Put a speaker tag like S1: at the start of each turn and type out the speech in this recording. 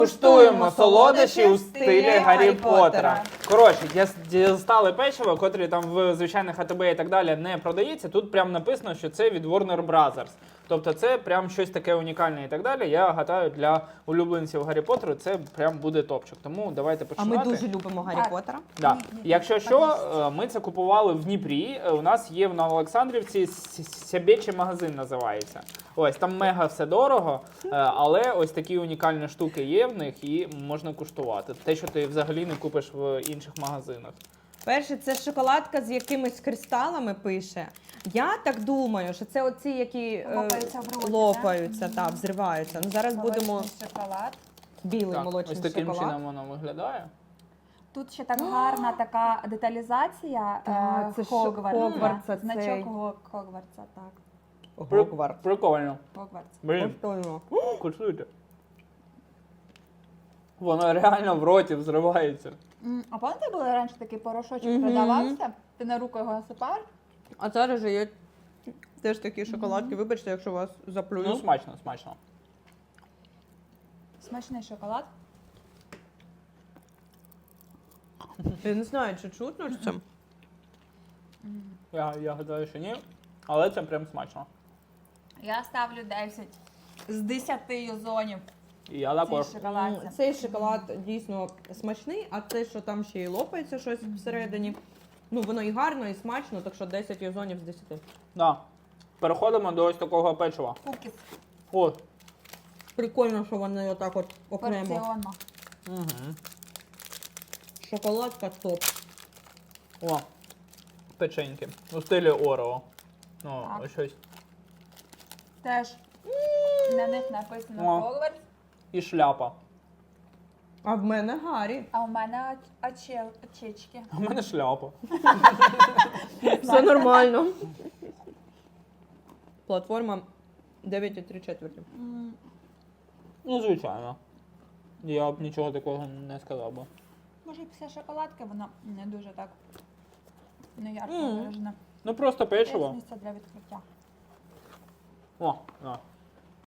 S1: Куштуємо солодощі у стилі Гаррі Поттера. Коротше, дістали печиво, котрі там в звичайних АТБ і так далі не продається. Тут прям написано, що це від Warner Brothers. Тобто це прям щось таке унікальне і так далі. Я гадаю, для улюбленців Гаррі Поттеру це прям буде топчик. Тому давайте
S2: А
S1: починати.
S2: ми дуже любимо Гаррі Поттера.
S1: Да. Якщо що, ми це купували в Дніпрі. У нас є в Новоолександрівці Сябєчий магазин називається. Ось там мега все дорого, але ось такі унікальні штуки є в них і можна куштувати. Те, що ти взагалі не купиш в інших магазинах.
S2: Перше, це шоколадка з якимись кристалами пише. Я так думаю, що це оці, які
S3: Лопаються в роті,
S2: лопаються, та, взриваються. Ну, зараз будемо
S3: Молочний шоколад.
S2: білий
S1: Так,
S2: молочний
S1: ось таким
S2: шоколад.
S1: чином воно виглядає.
S3: Тут ще так гарна така деталізація
S2: Так, це ж
S3: Хогвартса.
S2: Хогвартса,
S3: Значок
S2: цей.
S3: Хогвартса, так.
S2: Гогвартс.
S1: Прикольно.
S3: Хогвартс.
S1: Блін,
S2: Коштуємо.
S1: куштуйте. Воно реально в роті взривається.
S3: А пам'ятаєте, були раніше такий порошочок
S2: Мгм.
S3: продавався? Ти на руку його насипаєш?
S2: А зараз же є теж такі шоколадки. Вибачте, якщо вас заплюю.
S1: Ну, смачно, смачно.
S3: Смачний шоколад.
S2: Я не знаю, чи чутно це.
S1: Я гадаю, що ні, але це прям смачно.
S3: Я ставлю 10 з 10 юзонів
S1: І я
S3: цій
S1: також.
S3: шоколадці.
S2: Цей шоколад дійсно смачний, а те, що там ще й лопається щось всередині. Ну, воно і гарно, і смачно, так що 10 юзонів з 10.
S1: Да. Переходимо до ось такого печива.
S3: Кукіс.
S1: О,
S2: Прикольно, що вони отак от окремо.
S3: Порціонно.
S1: угу.
S2: Шоколадка топ.
S1: О, печеньки. У стилі Орео. Ну,
S3: Так.
S1: ось щось.
S3: Теж на них написано
S1: О.
S3: Хогвартс,
S1: І шляпа.
S2: А в мене Гаррі.
S3: а у мене очечки.
S1: У мене шляпа.
S2: Все нормально. Платформа 9,3.
S1: Ну, звичайно. Я б нічого такого не сказав би.
S3: Може, після шоколадки воно не дуже так неярко
S2: Мгм.
S3: виражене.
S1: Ну, просто
S3: Є
S1: печиво.
S3: місце для відкриття.
S1: О, на.